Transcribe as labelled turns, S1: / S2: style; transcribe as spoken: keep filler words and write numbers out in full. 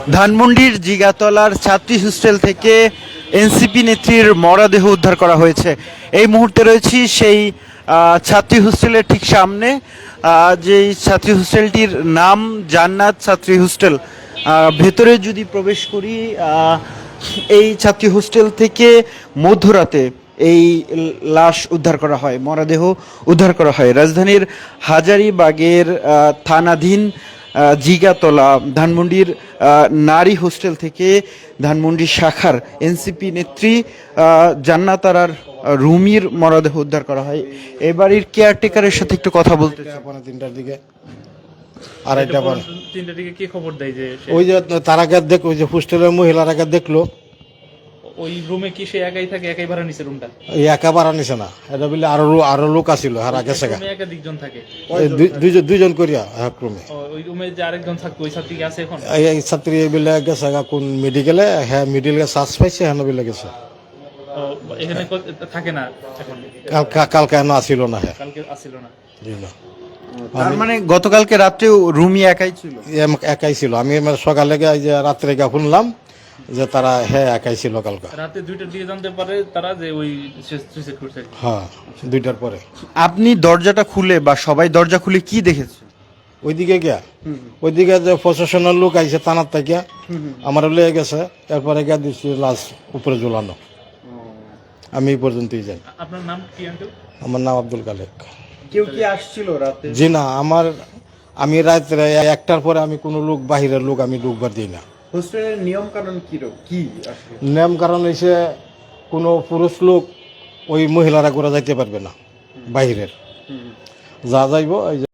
S1: ধানমন্ডির জিগাতলার ছাত্রী হোস্টেল থেকে এনসিপি নেত্রীর মরদেহ উদ্ধার করা হয়েছে। এই মুহূর্তে রয়েছি সেই আহ, ছাত্রী হোস্টেলের ঠিক সামনে। আহ, যেই ছাত্রী হোস্টেলটির নাম জান্নাত ছাত্রী হোস্টেল। আহ, ভেতরে যদি প্রবেশ করি, আহ, এই ছাত্রী হোস্টেল থেকে মধ্যরাতে এই লাশ উদ্ধার করা হয়, মরদেহ উদ্ধার করা হয় রাজধানীর হাজারীবাগের আহ, থানাধীন আহ, জিগাতলা ধানমন্ডির আহ, নারী হোস্টেল থেকে ধানমন্ডি শাখার এনসিপি নেত্রী আহ, জান্নাত আরার আহ, রুমির মরদেহ উদ্ধার করা হয়। এ বাড়ির কেয়ারটেকারের সাথে একটু কথা বলতে চাই।
S2: পৌনে তিনটার দিকে আড়াইটা পরে
S3: তিনটার দিকে কি খবর দেয় যে সে-
S2: ওই যে তার আগে দেখ ওই যে হোস্টেলের মহিলার আগে দেখলো
S3: ওই রুমে কি সে একাই থাকে, একাই ভাড়া নিছে রুমটা?
S2: এই একা বাড়া নিছে না, এটা বলে আরো লো- আরো লোক আসিল আর আগে সেগা
S3: রুমে একাধিকজন থাকে।
S2: দুইজন দুইজন করিয়া এক রুমে
S3: ও, ওই রুমে যে আরেকজন থাকতো ওই ছাত্রী কি আছে এখন?
S2: এই এই ছাত্রী বলে গেছে গা কোন মেডিকেলে, হ্যাঁ মেডিকেলে শ্বাস পাইছে হ্যাঁ বলে গেছে।
S3: ও, এখানে ক- থাকে না এখন?
S2: কালকে কালকে এনে আসিল না, হ্যাঁ
S3: কালকে আসছিল না।
S2: জি না।
S1: তার মানে গতকালকে রাত্রে রুমি একাই ছিল।
S2: এম- একাই ছিল। আমি আমার সকালে গিয়ে এই যে রাত্রে গিয়ে শুনলাম যে তারা হ্যাঁ একাই ছিল কালকে।
S3: রাতে দুইটার দিকে জানতে পারে তারা যে ওই সুইসাইড করছে।
S2: হ্যাঁ দুইটার পরে
S1: আপনি দরজাটা খুলে বা সবাই দরজা খুলে কি দেখেছেন?
S2: ওইদিকে গিয়া ওইদিকে যে প্রশাসনের লোক আইছে থানার থেকে আমার লয়ে গেছে, এরপরে গিয়া দিচ্ছি লাশ উপরে ঝুলানো। আমি এই পর্যন্তই যাই।
S3: আপনার নাম কি আঙ্কেল?
S2: আমার নাম আব্দুল কালেক।
S1: কেউ কি আসছিল রাতে?
S2: জি না, আমার আমি রাত্রে একটার পরে আমি কোনো লোক বাহিরের লোক আমি ঢুকবার দিই না।
S1: হোস্টেলের নিয়ম কানুন কি রকম কি আসলে?
S2: নিয়ম কারণ হইছে কোনো পুরুষ লোক ওই মহিলারা করে যাইতে পারবে না বাহিরের, যা যাইব এই যে